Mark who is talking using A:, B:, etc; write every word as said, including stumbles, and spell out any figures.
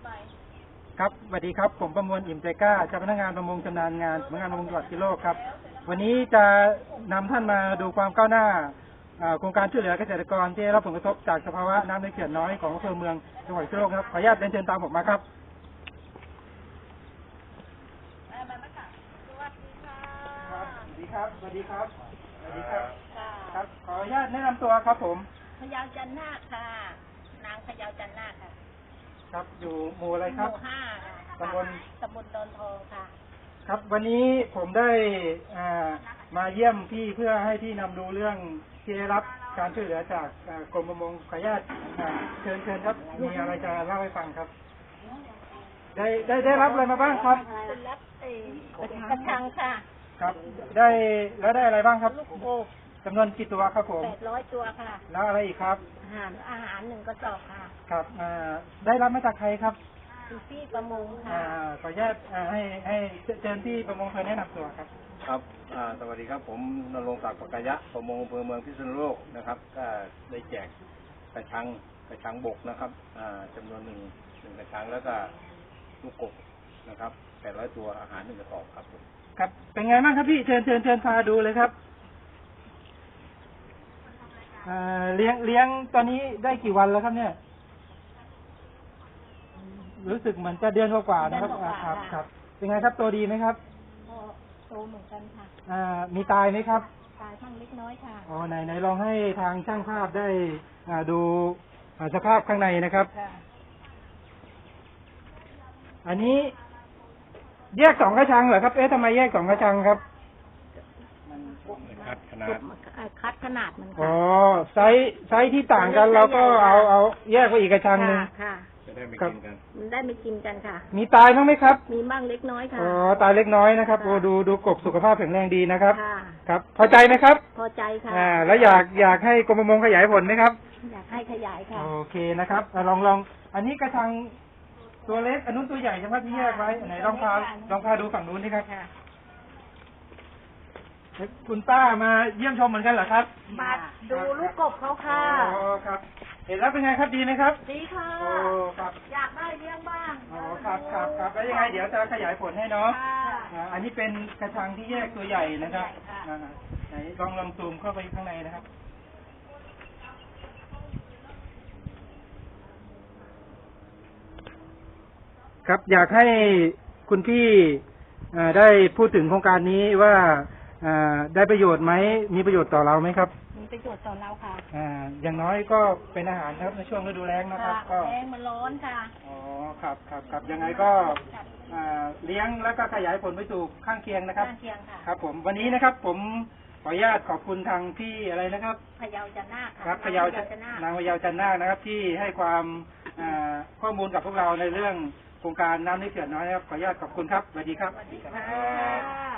A: ครับสวัสดีครับผมประมวลอิ่มใจกล้าเจ้าพนักงานประมงชำนาญงานสำนักงานประมงจังหวัดพิษณุโลกครับวันนี้จะนำท่านมาดูความก้าวหน้าโครงการช่วยเหลือเกษตรกรที่ได้รับผลกระทบจากสภาวะน้ำในเขื่อนน้อยของอำเภอเมืองจังหวัดพิษณุโลกครับขออนุญาตเรียนเชิญตามผมมาครับสวัสดีครับสวัสดีครับสวัสดีครับครับขออนุญาตแนะนำตัวครับผม
B: พยาวจันนาคค่ะนางพยาวจันนาคค่ะ
A: ครับอยู่หมู่อะไรครับ
B: หมู่ห้า
A: ตำบล
B: ตำบลดอนทองค่ะ
A: ครับวันนี้ผมได้มาเยี่ยมพี่เพื่อให้พี่นำดูเรื่องที่ได้รับการช่วยเหลือจากกรมประมงขออนุญาตเชิญเชิญครับมีอะไรจะเล่าให้ฟังครับได้ได้ได้รับอะไรมาบ้างครับ
B: เป็นรับเอกระชังค่ะ
A: ครับได้แล้วได้อะไรบ้างครับ
B: ลูกโป่ง
A: จำนวนกี่ตัวครับผม
B: แปดร้อยตัวค่ะ
A: แล้วอะไรอีกครับ
B: อาหารอาหารหนึ่งกระสอบค่ะ
A: ครับได้รับมาจากใครครับ
B: พี่ประมงค่ะ
A: ขออนุญาตให้ให้เชิญพี่ประมงเคยแนะนำตัวครับ
C: ครับสวัสดีครับผมนรงค์ศักดิ์ปกายะประมงอำเภอเมืองพิษณุโลกนะครับก็ได้แจกกระชังกระชังบกนะครับจำนวนหนึ่งหนึ่งกระชังแล้วก็ลูกกบนะครับแปดร้อยตัวอาหารหนึ่งกระสอบครับผม
A: ครับเป็นไงบ้างครับพี่เชิญเชิญเชิญพาดูเลยครับเลี้ยงเลี้ยงตอนนี้ได้กี่วันแล้วครับเนี่ยรู้สึกเหมือนจะเดือนกว่าๆนะครับครับครับเป็นไงครับตัวดีไหมครับ
B: โตเหมือนกันค่ะ
A: อ่ามีตายไหมครับ
B: ตายทั้งเล็กน้อยค่ะ
A: อ๋อไหนไหนลองให้ทางช่างภาพได้อ่าดูสภาพข้างในนะครับอันนี้แยกสองกระชังเหรอครับเอ๊ะทำไมแยกสองกระชังครับ
C: คัดขนาด
B: คัดขนาดมัน
A: อ๋อไซส์ไซส์ที่ต่างกันเราก็เอาเอาแยกไปอีกกระชังหนึ่ง
B: ค่ะ
C: จะได้ไม่กินกัน
B: มันได้ไม่กินกันค่ะ
A: มีตายบ้างไหมครับ
B: มีบ้างเล็กน้อยค่ะ
A: อ๋อตายเล็กน้อยนะครับโอ้ดูดูกบสุขภาพแข็งแรงดีนะครับ
B: ค่ะ
A: ครับพอใจไหมครับ
B: พอใจค่ะ
A: อ่าแล้วอยากอยากให้กรมประมงขยายผลไหมครับ
B: อยากให้ขยายค่ะ
A: โอเคนะครับลองลองอันนี้กระชังตัวเล็กอันนู้นตัวใหญ่ใช่ไหมที่แยกไว้ไหนลองพาลองพาดูฝั่งนู้นนี่ครับคุณป้ามาเยี่ยมชมเหมือนกันเหรอครับ
B: มาดูลูกกบเขาค่ะ
A: อ๋อครับเห็นแล้วเป็นไงครับดีไหมครับ
B: ดีค่ะ
A: โอ้ครับ
B: อยากได้เลี้ยงบ้าง
A: อ๋อครับครับครับแล้วยังไงเดี๋ยวจะขยายผลให้เนาะอันนี้เป็นกระชังที่แยกตัวใหญ่นะครับไหนลองลองซูมเข้าไปข้างในนะครับครับอยากให้คุณพี่ได้พูดถึงโครงการนี้ว่าได้ประโยชน์ไหมมีประโยชน์ต่อเราไหมครับ
B: มีประโยชน์ต่อเราค่ะ
A: อ่าอย่างน้อยก็เป็นอาหารครับในช่วงฤดูแล้งนะครับ
B: ก็แล้งมันร้อนค่ะ
A: อ๋อครับครับครับยังไงก็เลี้ยงแล้วก็ขยายผลไปสู่ข้างเคียงนะครับ
B: ข้างเคียงค่ะ
A: ครับผมวันนี้นะครับผมขออนุญาตขอบคุณทางพี่อะไรนะครับ
B: พยาวจันนาค
A: ครับพยาว
B: นาง
A: พยาวจันนาคนะครับที่ให้ความข้อมูลกับพวกเราในเรื่องโครงการน้ำในเขื่อนน้อยนะครับขออนุญาตขอบคุณครับสวัสดีครับ
B: สวัสดีค่ะ